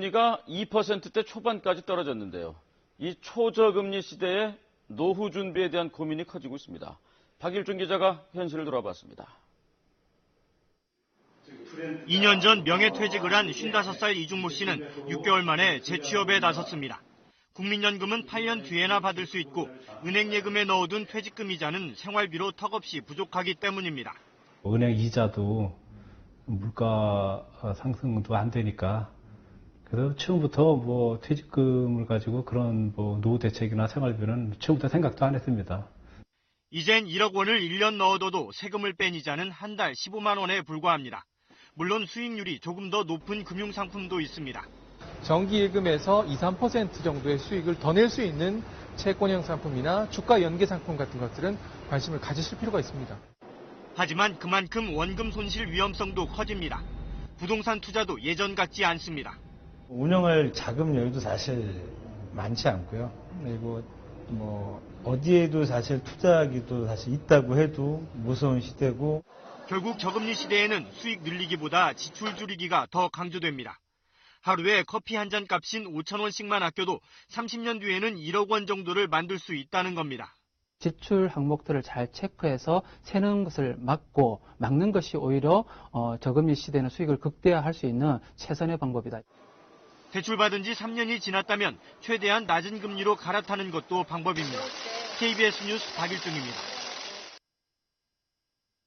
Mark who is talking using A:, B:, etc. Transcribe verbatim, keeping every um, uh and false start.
A: 기준금리가 이 퍼센트대 초반까지 떨어졌는데요. 이 초저금리 시대에 노후 준비에 대한 고민이 커지고 있습니다. 박일준 기자가 현실을 돌아봤습니다.
B: 이 년 전 명예퇴직을 한 쉰다섯 살 이중모 씨는 육 개월 만에 재취업에 나섰습니다. 국민연금은 팔 년 뒤에나 받을 수 있고 은행 예금에 넣어둔 퇴직금 이자는 생활비로 턱없이 부족하기 때문입니다.
C: 은행 이자도 물가 상승도 안 되니까 그래서 처음부터 뭐 퇴직금을 가지고 그런 뭐 노후 대책이나 생활비는 처음부터 생각도 안 했습니다.
B: 이젠 일억 원을 일 년 넣어둬도 세금을 뺀 이자는 한 달 십오만 원에 불과합니다. 물론 수익률이 조금 더 높은 금융상품도 있습니다.
D: 정기예금에서 이, 삼 퍼센트 정도의 수익을 더 낼 수 있는 채권형 상품이나 주가 연계 상품 같은 것들은 관심을 가지실 필요가 있습니다.
B: 하지만 그만큼 원금 손실 위험성도 커집니다. 부동산 투자도 예전 같지 않습니다.
E: 운영할 자금 여유도 사실 많지 않고요. 그리고 뭐 어디에도 사실 투자하기도 사실 있다고 해도 무서운 시대고.
B: 결국 저금리 시대에는 수익 늘리기보다 지출 줄이기가 더 강조됩니다. 하루에 커피 한 잔 값인 오천 원씩만 아껴도 삼십 년 뒤에는 일억 원 정도를 만들 수 있다는 겁니다.
F: 지출 항목들을 잘 체크해서 새는 것을 막고 막는 것이 오히려 어, 저금리 시대는 수익을 극대화할 수 있는 최선의 방법이다.
B: 대출받은 지 삼 년이 지났다면 최대한 낮은 금리로 갈아타는 것도 방법입니다. 케이비에스 뉴스 박일중입니다.